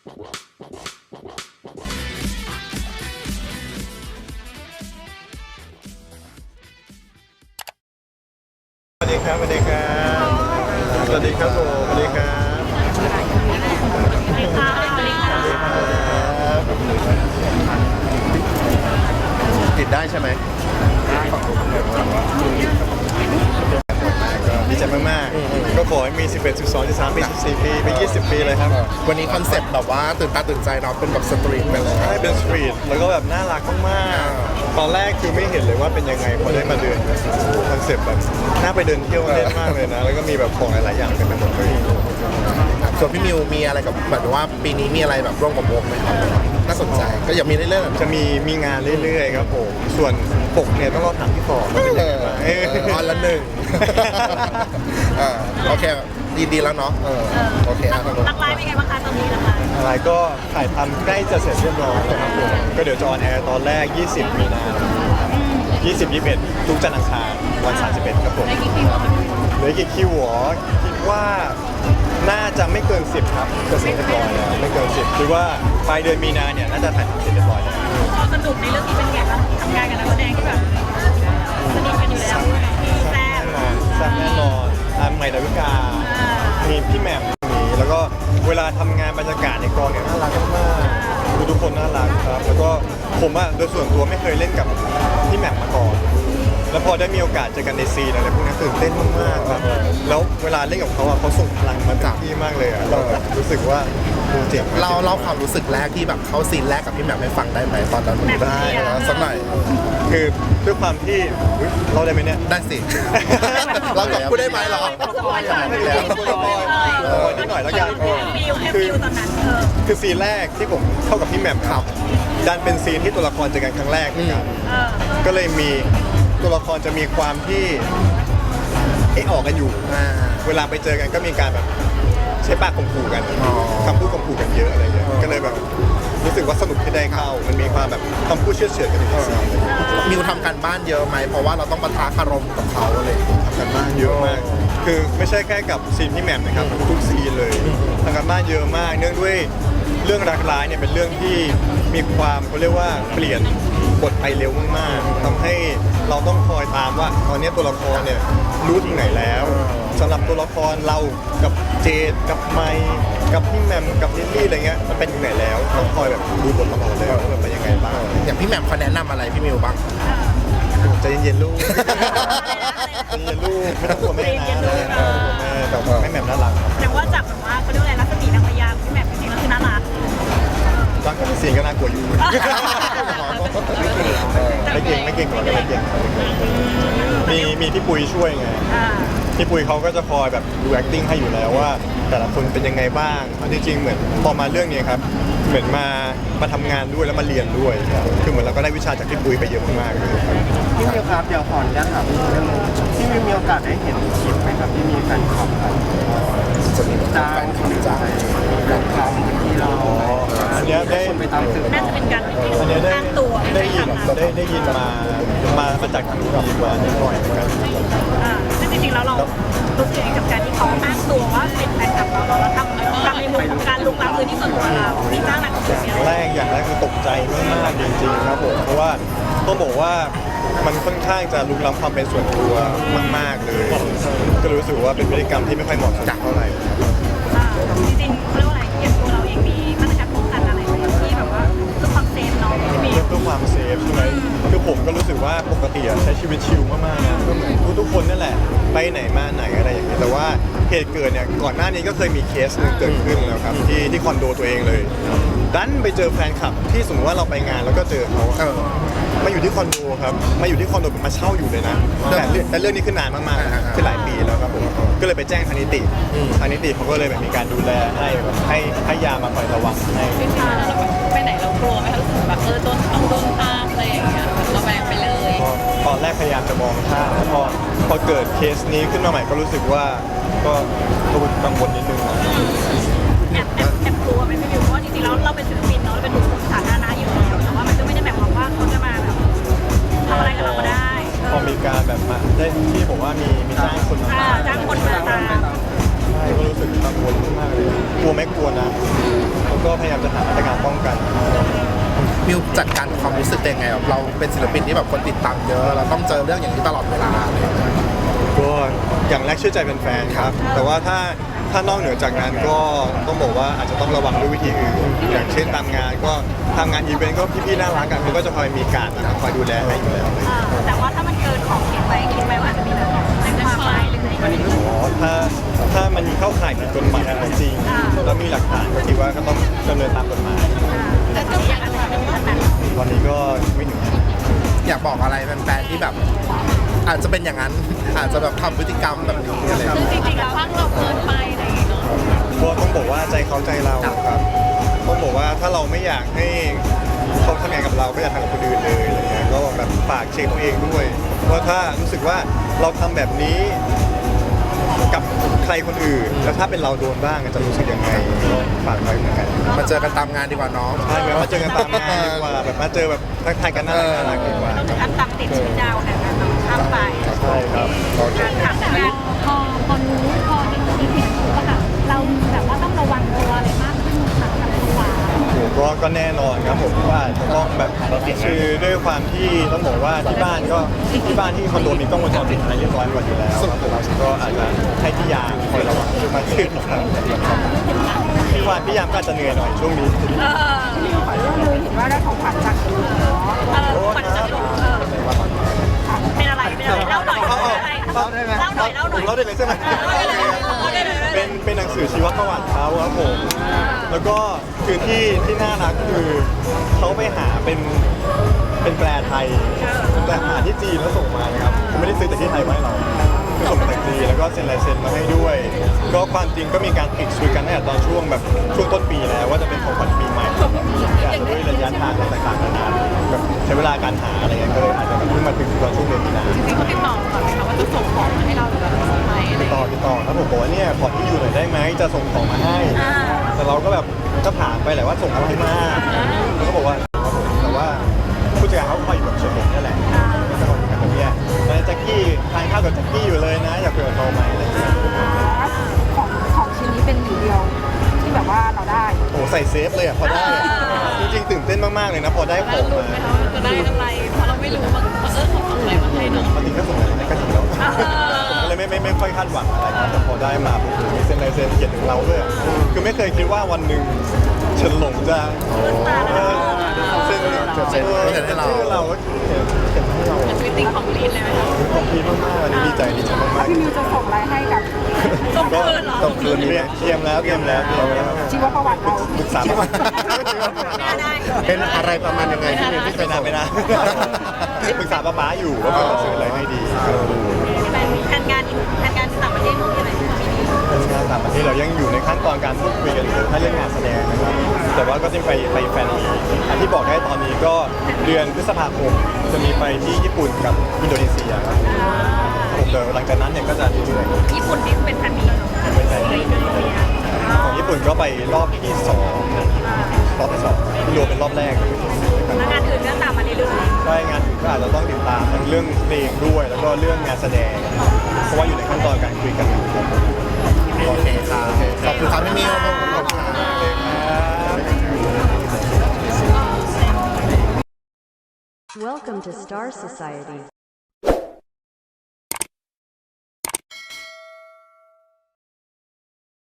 สวัสดีครับสวัสดีครับสวัสดีครับผมสวัสดีครับสวัสดีครับติดได้ใช่ไหมดีใจมากๆก็ขอให้มี11 12 13ปี14ปีไป20ปีเลยครับวันนี้คอนเซ็ปต์แบบว่าตื่นตาตื่นใจเนาะเป็นแบบสตรีทไปเลยใช่เป็นสตรีทแล้วก็แบบน่ารักมากๆตอนแรกคือไม่เห็นเลยว่าเป็นยังไงพอได้มาเดินคอนเซ็ปต์แบบน่าไปเดินเที่ยวเล่นมากเลยนะแล้วก็มีแบบของหลายๆอย่างเต็มไปหมดเลยส่วนพี่มิวมีอะไรกับแบบว่าปีนี้มีอะไรแบบร่วมกับวงไหมครับน่าสนใจก็อย่ามีเรื่อยๆจะมีงานเรื่อยๆครับผมส่วนปกเนี่ยต้องรอถามพี่ต่อออนละหนึ่งโอเคดีแล้วเนาะโอเครักไลฟ์เป็นไงบ้างคะตอนนี้รักไลฟ์อะไรก็ถ่ายทำใกล้จะเสร็จเรียบร้อยนะครับผมก็เดี๋ยวจะออนแอร์ตอนแรก20 มีนา20 21ทุกจันทร์อังคารวัน31ครับผมเหลือกี่คิวหรอคิดว่าน่าจะไม่เกิน10ครับจะเสร็จเรียบร้อยแล้วไม่เกิน10คือว่าปลายเดือนมีนาเนี่ยน่าจะถ่ายทำเสร็จเรียบร้อยแล้วสนุกในเรื่องนี้เป็นไงบ้างทำงานกับนักแสดงที่แบบสนิทกันอยู่แล้วแซ่บแน่นอนใหม่ดาวิกามีพี่แหม่มมีแล้วก็เวลาทำงานบรรยากาศในกองเนี่ยน่ารักมากทุกคนน่ารักครับแล้วก็ผมอะโดยส่วนตัวไม่เคยเล่นกับพี่แหม่มมาก่อนแล้วพอได้มีโอกาสเจอกันในซีนอะไรพวกนี้ตื่นเต้นมากๆครับแล้วเวลาเล่นกับเขาอะเขาส่งพลังมาจากพี่มากเลยอะเรารู้สึกว่าเจ๋งเล่าความรู้สึกแรกที่แบบเข้าซีนแรกกับพี่แหม่มให้ฟังได้ไหมตอนนั้นได้สักหน่อยคือด้วยความที่เราได้ไหมเนี่ยได้สิเราจะพูดได้ไหมหรอได้แล้วนิดหน่อยแล้วกันคือซีนแรกที่ผมเข้ากับพี่แหม่มครับดันเป็นซีนที่ตัวละครเจอกันครั้งแรกนะครับก็เลยมีตัวละครจะมีความที่ออกกันอยู่เวลาไปเจอกันก็มีการแบบใช้ปากข่มขู่กันคำพูดข่มขู่กันเยอะอะไรเงี้ยก็เลยแบบรู้สึกว่าสนุกที่ได้เข้ามันมีความแบบคำพูดเชื่อเฉือนกันในซีนมิวทำการบ้านเยอะไหมเพราะว่าเราต้องปะทะคารมกับเขาเลยทำการบ้านเยอะมากคือไม่ใช่แค่กับซีนพี่แหม่มนะครับทุกซีนเลยทำการบ้านเยอะมากเนื่องด้วยเรื่องรักร้ายเนี่ยเป็นเรื่องที่มีความเขาเรียกว่าเปลี่ยนบทไปเร็วมากๆทำให้เราต้องคอยตามว่าตอนนี้ตัวละครเนี่ยรู้ถึงไหนแล้วสำหรับตัวละครเรากับเจดกับไมค์กับพี่แหม่มกับลิลลี่อะไรเงี้ยมันเป็นอยู่ไหนแล้วต้องคอยแบบดูบทตลอดเลยว่ามันเป็นยังไงบ้างอย่างพี่แหม่มเขาแนะนำอะไรพี่มิวบ้างใจเย็นๆลูกใจเย็นลูกไม่ต้องกลัวแม่นะแต่แม่แหม่มน่ารักแต่ว่าจากแบบว่าเขาเรียกอะไรรัศมีนางพญาพี่แหม่มจริงๆแล้วคือน่ารักตอนกับซีนก็น่ากลัวอยู่ไม่เก่งกว่าไม่เก่งมีพี่ปุยช่วยไงพี่ปุยเขาก็จะคอยแบบดู acting ให้อยู่แล้วว่าแต่ละคนเป็นยังไงบ้างจริงๆเหมือนพอมาเรื่องนี้ครับเหมือนมาทำงานด้วยแล้วมาเรียนด้วยคือเหมือนเราก็ได้วิชาจากพี่ปุยไปเยอะมากๆเลยพี่มิวครับเดี๋ยวขออนุญาตถามเรื่องพี่มิวมีโอกาสได้เห็นคลิปไหมครับที่มีแฟนคลับจ้างคนใจกับคำที่เราอันนี้ได้ไปตามสื่อน่าจะเป็นการอันนี้ได้ยินมาจากทางทีมมานิดหน่อยเหมือนกันซึ่งจริงๆแล้วเรารู้สึกกับการที่เขาอ้างตัวว่าเป็นแฟนคลับเราทำในมุมของการลุกล้ำพื้นที่ส่วนตัวเราที่สร้างหนักอย่างแรกคือตกใจมากๆจริงๆครับผมเพราะว่าต้องบอกว่ามันค่อนข้างจะลุกล้ำความเป็นส่วนตัวมากๆเลยก็รู้สึกว่าเป็นพฤติกรรมที่ไม่ค่อยเหมาะสมเท่าไหร่จริงๆเรียกว่าอะไรอย่างตัวเราเองมีมาตรการป้องกันอะไรที่แบบว่าเพื่อความเซฟน้องที่มีเพื่อความเซฟใช่ไหมคือผมก็รู้สึกว่าปกติใช้ชีวิตชิลมากๆนะก็เหมือนทุกคนนั่นแหละไปไหนมาไหนอะไรอย่างเงี้ยแต่ว่าเหตุเกิดเนี่ยก่อนหน้านี้ก็เคยมีเคสนึงเกิดขึ้นแล้วครับที่คอนโดตัวเองเลยดันไปเจอแฟนคลับที่สมมติว่าเราไปงานแล้วก็เจอเขามาอยู่ที่คอนโดครับมาอยู่ที่คอนโดมาเช่าอยู่เลยนะแต่เรื่องนี้คือนานมากๆคือหลายปีแล้วครับผมก็เลยไปแจ้งทางนิติเขาก็เลยแบบมีการดูแลให้ยามาคอยระวังให้ไปไหนเรากลัวไหมคะรู้สึกแบบต้องโดนตามอะไรอย่างเงี้ยเราแวงไปเลยตอนแรกพยายามจะมองข้ามพอเกิดเคสนี้ขึ้นมาใหม่ก็รู้สึกว่าก็กังวลนิดนึงนะแอบกลัวไหมพี่มิวเพราะจริงๆแล้วเราเป็นศิลปินเนาะเราเป็นบุคคลสาธารณะอยู่แล้วแต่ว่ามันก็ไม่ได้แบบว่าเขาจะมาแบบทำอะไรกับเราก็ได้พอมีการแบบมาได้ที่บอกว่ามีจ้างคนมาตามใช่ก็รู้สึกกังวลมากเลยกลัวไหมกลัวนะก็ก็พยายามจะหามาตรการป้องกันมิวจัดการความรู้สึกยังไงแบบเราเป็นศิลปินที่แบบคนติดตามเยอะเราต้องเจอเรื่องอย่างนี้ตลอดเวลาเลยก็อย่างแรกเชื่อใจเป็นแฟนๆครับ แต่ว่าถ้านอกเหนือจากนั้นก็ต้องบอกว่าอาจจะต้องระวังด้วยวิธีอื่นอย่างเช่นตามงานก็ทำงานอีเวนต์ก็พี่ๆน่ารักกันเขาก็จะคอยมีการคอยดูแลให้อยู่แล้วแต่ว่าถ้ามันเกินขอบเขตไปคิดไหมว่าอาจจะมีแบบแจ้งความไหมหรืออะไรอย่างเงี้ยอ๋อถ้ามันเข้าข่ายผิดกฎหมายจริงแล้วมีหลักฐานก็คิดว่าก็ต้องดำเนินตามกฎหมายแต่ก็อย่างนั้นจะมีขนาดวันนี้ก็ไม่ถึงอยากบอกอะไรแฟนๆที่แบบ อาจจะเป็นอย่างนั้นอาจจะแบบทำพฤติกรรมแบบนี้อะไรอย่างคือเงี้ยจริงๆแล้วฟังเราเกินไปอะไรอย่างเงี้ยเนาะก็ต้องบอกว่าใจเขาใจเราครับต้องบอกว่าถ้าเราไม่อยากให้เขาทำงานกับเราก็อย่าทำกับคนอื่นเลยอะไรเงี้ยก็แบบฝากเช็คตัวเองด้วยว่าถ้ารู้สึกว่าเราทำแบบนี้กับใครคนอื่นแล้วถ้าเป็นเราโดนบ้างจะรู้สึกยังไงก็ฝากไว้เหมือนกันมาเจอกันตามงานดีกว่าน้องใช่แบบมาเจอกันตามงานดีกว่าแบบมาเจอแบบทักทายกันน่ารักดีกว่าต้องถึงขั้นตามติดชีวิตดาวเนี่ยนะข้ามไปใช่ครับโอเคถามแต่งานพอรู้พอได้ยินเห็นก็แบบเราแบบว่าต้องระวังตัวอะไรมากขึ้นค่ะกับตัวก็แน่นอนครับผมว่าจะต้องแบบคือด้วยความที่ต้องบอกว่าที่บ้านที่คอนโดมีกล้องวงจรปิดอะไรเรียบร้อยหมดอยู่แล้วครับผมก็อาจจะให้พี่ยามคอยระวังมากขึ้นครับพี่ยามก็อาจจะเหนื่อยหน่อยช่วงนี้เลยเห็นว่าได้ของขวัญจากคุณขวัญจากคุณเป็นอะไรเล่าหน่อยเล่าได้เลยใช่ไหมเป็นหนังสือชีวประวัติเขาครับผมแล้วก็คือที่น่ารักคือเขาไปหาเป็นแปลไทยแต่หาที่จีนแล้วส่งมานะครับเขาไม่ได้ซื้อจากที่ไทยมาให้เราคือส่งมาจากจีนแล้วก็เซ็นลายเซ็นมาให้ด้วย ก็ความจริงก็มีการติดคุยกันตั้งแต่ตอนช่วงแบบช่วงต้นปีแล้วว่าจะเป็นของขวัญปีใหม่อย่างด้วยระยะทางต่างๆนานาแบบใช้เวลาการหาอะไรเงี้ยก็เลยอาจจะแบบเพิ่งมาถึงตอนช่วงเดือนมีนาจริงๆเขาติดต่อก่อนไหมคะว่าจะส่งของมาให้เราหรือแบบไหมอะไรติดต่อครับผมบอกว่าเนี่ยขอที่อยู่หน่อยได้ไหมจะส่งของมาให้ แต่เราก็แบบก็ถามไปแหละว่าส่งอะไรมาเขาก็บอกว่าครับผมแต่ว่าผู้จัดการเขาคอยอยู่แบบเฉยๆนี่แหละก็บอกกันแบบเนี้ยนายแจ็คกี้ทานข้าวกับแจ็คกี้อยู่เลยนะอยากคุยกับเขาไหมอะไรอย่างเงี้ยของชิ้นนี้เป็นหนึ่งเดียวที่แบบว่าเราได้โอ้ใส่เซฟเลยอ่ะพอได้อะจริงๆตื่นเต้นมากๆเลยนะพอได้ของมาจะได้อะไรเพราะเราไม่รู้ว่าเขาส่งอะไรมาให้เนาะปกติก็ส่งอะไรมาให้ก็ถึงแล้วผมก็เลยไม่ค่อยคาดหวังอะไรครับแต่พอได้มาผมมีเซ็นลายเซ็นเขียนถึงเราด้วยอะคือไม่เคยคิดว่าวันหนึ่งเฉินหลงจะเซ็นให้เราก็เขียนให้เราชีวิตติงของลีนเลยไหมคะขอบคุณมากๆอันนี้ดีใจมากพี่มิวจะส่งอะไรให้กับส่งๆก็คืนเหรอต้องคืนเตรียมแล้วชีวประวัติเราปรึกษาไม่ได้เป็นอะไรประมาณยังไงที่มิวที่จะส่งไม่นะปรึกษาป้าอยู่ว่าจะซื้ออะไรให้ดีเป็นแผนงานต่างประเทศของที่ไหนปีนี้เป็นงานต่างประเทศเรายังอยู่ในขั้นตอนการพูดคุยกันอยู่ถ้าเรื่องงานแสดงนะครับแต่ว่าก็จะไปแฟนมีอันที่บอกได้ตอนนี้ก็เดือนพฤษภาคมจะมีไปที่ญี่ปุ่นกับอินโดนีเซียครับผมเดี๋ยวหลังจากนั้นเนี่ยก็จะเรื่อยๆญี่ปุ่นนี่เป็นแผนมีเหรอเป็นแฟนมีของญี่ปุ่นก็ไปรอบที่2ที่รวมเป็นรอบแรกแล้วงานอื่นก็ตามมาเรื่อยใช่งานอื่นก็อาจจะต้องติดตามทั้งเรื่องเพลงด้วย แล้วก็เรื่องงานแสดง เพราะว่าอยู่ในขั้นตอนการคุยกันอยู่ครับโอเคครับขอบคุณครับพี่มิวขอบคุณครับ Welcome to Star Society.